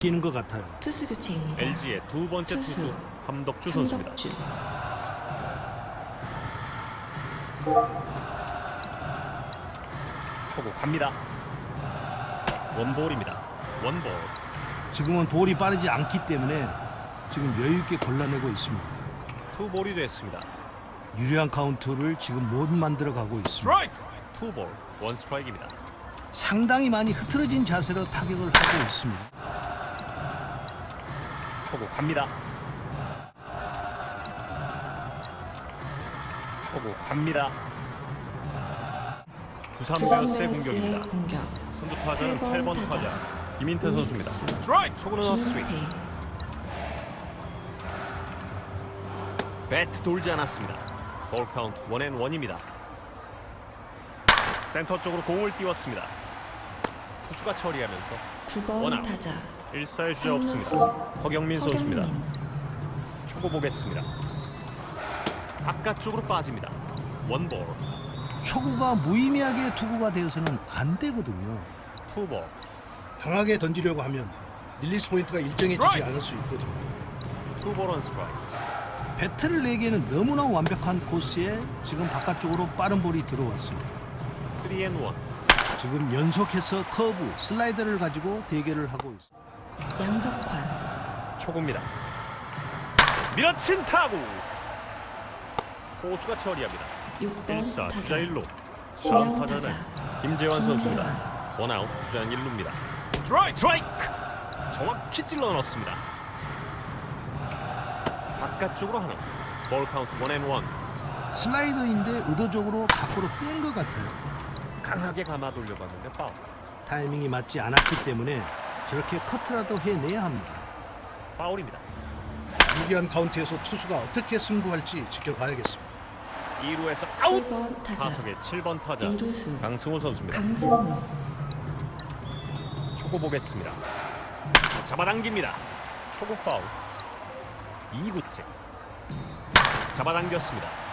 끼는 것 같아요. 투수 교체입니다. LG의 두 번째 투수 함덕주 선수입니다. 함덕주. 초구 갑니다. 원볼입니다. 원볼. 지금은 볼이 빠르지 않기 때문에 지금 여유 있게 골라내고 있습니다. 투볼이 됐습니다. 유리한 카운트를 지금 못 만들어 가고 있습니다. 스트라이크. 투볼 원 스트라이크입니다. 상당히 많이 흐트러진 자세로 타격을 하고 있습니다. 초구 갑니다. 초구 갑니다. 두산 베어스의 공격입니다. 공격. 선두 타자는 8번 8번 타자 김인태 선수입니다. 스트라이크. 초구는 헛스윙. 김인태. 배트 돌지 않았습니다. 볼 카운트 원앤원입니다. 센터 쪽으로 공을 띄웠습니다. 투수가 처리하면서 9번 원아웃. 타자 1사의 주자 삼루수 없습니다. 허경민 선수입니다. 허경민. 초구 보겠습니다. 바깥쪽으로 빠집니다. 원볼. 초구가 무의미하게 투구가 되어서는 안 되거든요. 투볼. 강하게 던지려고 하면 릴리스 포인트가 일정해지지 스트라이크! 않을 수 있거든요. 투볼 원 스트라이크. 배트를 내기에는 너무나 완벽한 코스에 지금 바깥쪽으로 빠른 볼이 들어왔습니다. 3&1. 지금 연속해서 커브, 슬라이더를 가지고 대결을 하고 있습니다. 양석환. 초구입니다. 밀어친 타구. 호수가 처리합니다. 6번 1사 주자 타자 1루. 다음 지명 타자는 타자 김재환 선수입니다. 김재환. 원아웃 주자 1루입니다. 스트라이크. 정확히 찔러 넣었습니다. 바깥쪽으로 하나. 볼 카운트 원앤원. 슬라이더인데 의도적으로 밖으로 뺀 것 같아요. 강하게 감아 돌려봤는데 파울. 타이밍이 맞지 않았기 때문에 저렇게 커트라도 해내야 합니다. 파울입니다. 유리한 카운트에서 투수가 어떻게 승부할지 지켜봐야겠습니다. 2루에서 아웃. 7번 타자 타석의 7번 타자 이루수 강승호 선수입니다. 강승우. 초구 보겠습니다. 잡아당깁니다. 초구 파울. 2구째. 잡아당겼습니다.